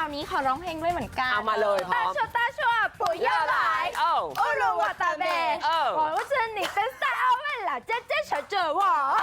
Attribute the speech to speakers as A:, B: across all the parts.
A: าวนี้ขอร้องเพลงด้วยเหมือนกัน
B: เอามาเลยพร้อม
A: ตาชั่วปู่ย่าหลายโอ้รู้ว่าตาเบ我是你的小妹啦姐姐小姐我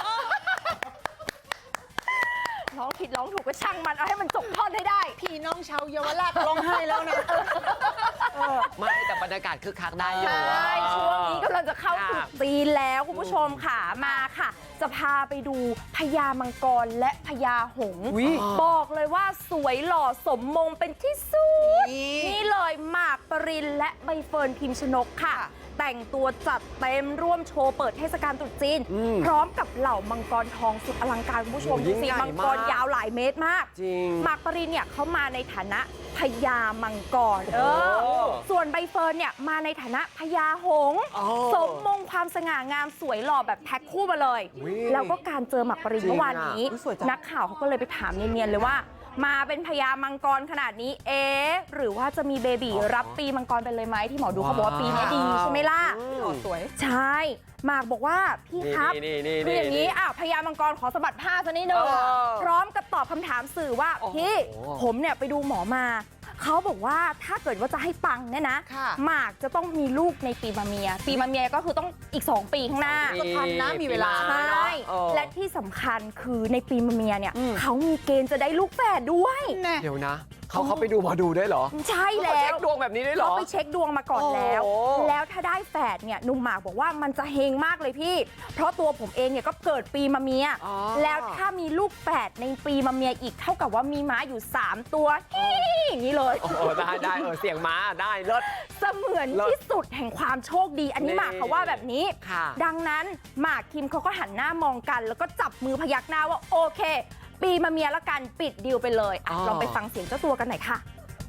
A: ร้องผิดร้องถูกก็ช่างมันเอาให้มันจบท่อนให้ได้
C: พี่น้องชาวเยาวราชร้องไห้แล้วนะ
B: ไม่แต่บรรยากาศคึกคักได้อยู่
A: ใช่ช่วงนี้กำลังจะเข้าสู่จีนแล้วคุณผู้ชมค่ะมาค่ะจะพาไปดูพญามังกรและพญาหงส์บอกเลยว่าสวยหล่อสมมงเป็นที่สุดนี่เลยหมากปรินและใบเฟิร์นพิมชนกค่ะแต่งตัวจัดเต็มร่วมโชว์เปิดเทศกาลตรุษจีนพร้อมกับเหล่ามังกรทองสุดอลังการคุณผู้ชมดูสิมังกรยาวหลายเมตรมากหมากปรินเนี่ยเขามาในฐานะพญามังกรส่วนใบเฟิร์นเนี่ยมาในฐานะพญาหงส์สมมงความสง่างามสวยหล่อแบบแพ็คคู่มาเลยแล้วก็การเจอหมากปรินเมื่อวานนี้นักข่าวเขาก็เลยไปถามเนียนๆเลยว่ามาเป็นพญามังกรขนาดนี้หรือว่าจะมีเบบีรับปีมังกรไปเลยไหมที่หมอดูเขาบอกว่าปีนี้ดีใช่ไหมล่ะสวยใช่หมากบอกว่าพี่ครับคืออย่างนี้พญามังกรขอสะบัดผ้าซะนิดนึงพร้อมกับตอบคำถามสื่อว่าพี่ผมเนี่ยไปดูหมอมาเขาบอกว่าถ้าเกิดว่าจะให้ปังเนี่ยนะหมากจะต้องมีลูกในปีมะเมียก็คือต้องอีก2 ปีข้างหน้า
C: ก็ทันนะมีเวลา
A: ใช่และที่สำคัญคือในปีมะเมียเนี่ยเขามีเกณฑ์จะได้ลูกแฝดด้วย
B: เดี๋ยวนะเขาไปดูหมอดูได้เหรอ
A: ใช่แล้ว
B: เช็คดวงแบบนี้ได้เหรอ
A: เขาไปเช็คดวงมาก่อนแล้วถ้าได้แฝดเนี่ยหนุ่มหมากบอกว่ามันจะเฮงมากเลยพี่เพราะตัวผมเองเนี่ยก็เกิดปีมะเมียแล้วถ้ามีลูกแฝดในปีมะเมียอีกเท่ากับว่ามีม้าอยู่3 ตัวอย่างนี้เลย
B: ได้เสียงม้าได้เลิศ
A: เสมือนที่สุดแห่งความโชคดีอันนี้หมากเขาว่าแบบนี้ดังนั้นหมากคิมเขาก็หันหน้ามองกันแล้วก็จับมือพยักหน้าว่าโอเคปีมะเมียละกันปิดดีลไปเลยลองไปฟังเสียงเจ้าตัวกันหน่อยค่ะ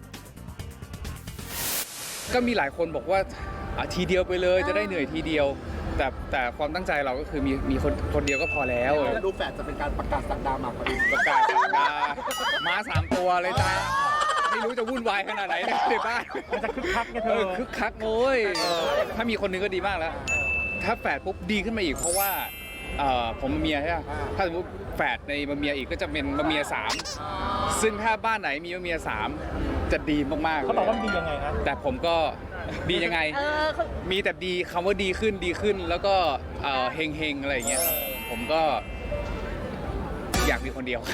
D: ก็มีหลายคนบอกว่าทีเดียวไปเลยจะได้เหนื่อยทีเดียวแต่ความตั้งใจเราก็คือมีคนเดียวก็พอแล้ว
C: ลูกแฝดจะเป็นการประกาศสักดาหมากปริน
D: ประกาศสักดาม้า3 ตัวเลยจ้าไม่รู้จะวุ่นวายขนาดไหนในบ้าน
C: มันจะคึกคักไงเธอ
D: คึกคักโอ้ยถ้ามีคนนึงก็ดีมากแล้วถ้าแฝดปุ๊บดีขึ้นมาอีกเพราะว่าผมมะเมียใช่ไหมถ้าสมมติแฝดในมะเมียอีกก็จะเป็นมะเมีย3ซึ่งถ้าบ้านไหนมีมะเมีย3จะดีมากๆ
C: เขาบอกว่าดียังไงครับ
D: แต่ผมก็ดียังไงมีแต่ดีคำว่าดีขึ้นแล้วก็เฮงอะไรอย่างเงี้ยผมก็อยากมีคนเดียว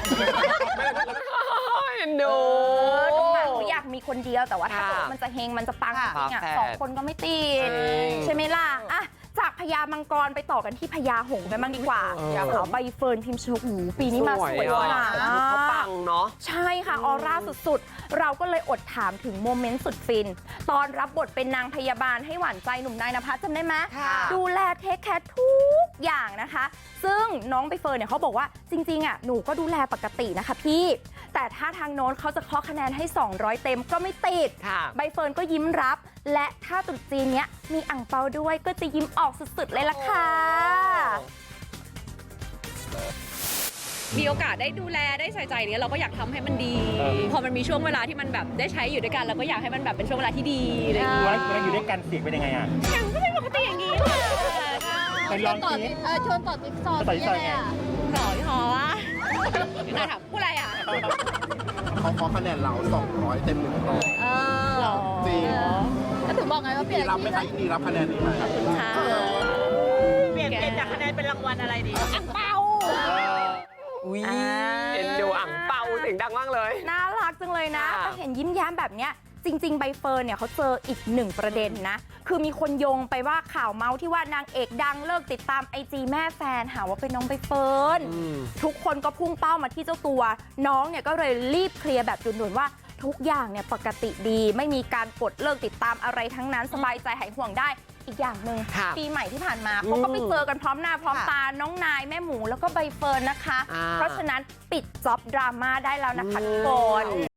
A: น้องหมากเขาอยากมีคนเดียวแต่ว่าถ้ามันจะเฮงมันจะปังจริง2 คนก็ไม่ติดใช่ไหมล่ะจากพญามังกรไปต่อกันที่พญาหงส์กันบ้างดีกว่าสาวใบเฟิร์นพิมชนกปีนี้มาสวยมาก
B: เขาปังเนาะ
A: ใช่ค่ะออร่าสุดๆเราก็เลยอดถามถึงโมเมนต์สุดฟินตอนรับบทเป็นนางพยาบาลให้หวานใจหนุ่มนายณภัสจำได้ไหมดูแลเทคแคร์ทุกอย่างนะคะซึ่งน้องใบเฟิร์นเนี่ยเขาบอกว่าจริงๆหนูก็ดูแลปกตินะคะพี่แต่ถ้าทางโน้นเขาจะเคาะคะแนนให้200 เต็มก็ไม่ติดใบเฟิร์นก็ยิ้มรับและถ้าตรุษจีนเนี้ยมีอั่งเปาด้วยก็จะยิ้มออกสุดๆเลยล่ะค่ะ
E: มีโอกาสได้ดูแลได้ใส่ใจเนี่ยเราก็อยากทำให้มันดีพอมันมีช่วงเวลาที่มันแบบได้ใช้อยู่ด้วยกันเราก็อยากให้มันแบบเป็นช่วงเวลาที่ดีอะไรอย่างเงี้ย
C: แล้วอยู่ด้วยกันเสียงเป็นยังไง
E: ยังก็เป็นปกติอย่างนี้
C: ไปลองสิ
E: ชวนต่อติ๊กซอว์ยังไงต่อพี่ฮอวะน่าถามพูดอะไร
C: เขาขอคะแนนเรา200 เต็ม100จริง
E: ก็ถึงบอกไงว่าเปลี่ยน
C: รับไหมคะนี่รับคะแนนนี้ไหม
E: เปลี่ยนจากคะแนนเป็นรางวัลอะไรดีอั่งเปา
B: เอ็นดูอั่งเปาเสียงดังมากเลย
A: น่ารักจังเลยนะแต่เห็นยิ้มแย้มแบบเนี้ยจริงๆใบเฟิร์นเนี่ยเขาเจออีก1 ประเด็นนะคือมีคนโยงไปว่าข่าวเมาส์ที่ว่านางเอกดังเลิกติดตาม IG แม่แฟนหาว่าเป็นน้องใบเฟิร์นทุกคนก็พุ่งเป้ามาที่เจ้าตัวน้องเนี่ยก็เลยรีบเคลียร์แบบด่วนๆว่าทุกอย่างเนี่ยปกติดีไม่มีการกดเลิกติดตามอะไรทั้งนั้นสบายใจหายห่วงได้อีกอย่างหนึ่งปีใหม่ที่ผ่านมาเขาก็ไปเจอกันพร้อมหน้าพร้อมตาน้องนายแม่หมูแล้วก็ใบเฟิร์นนะคะเพราะฉะนั้นปิดจ็อบดราม่าได้แล้วนะคะทุกคน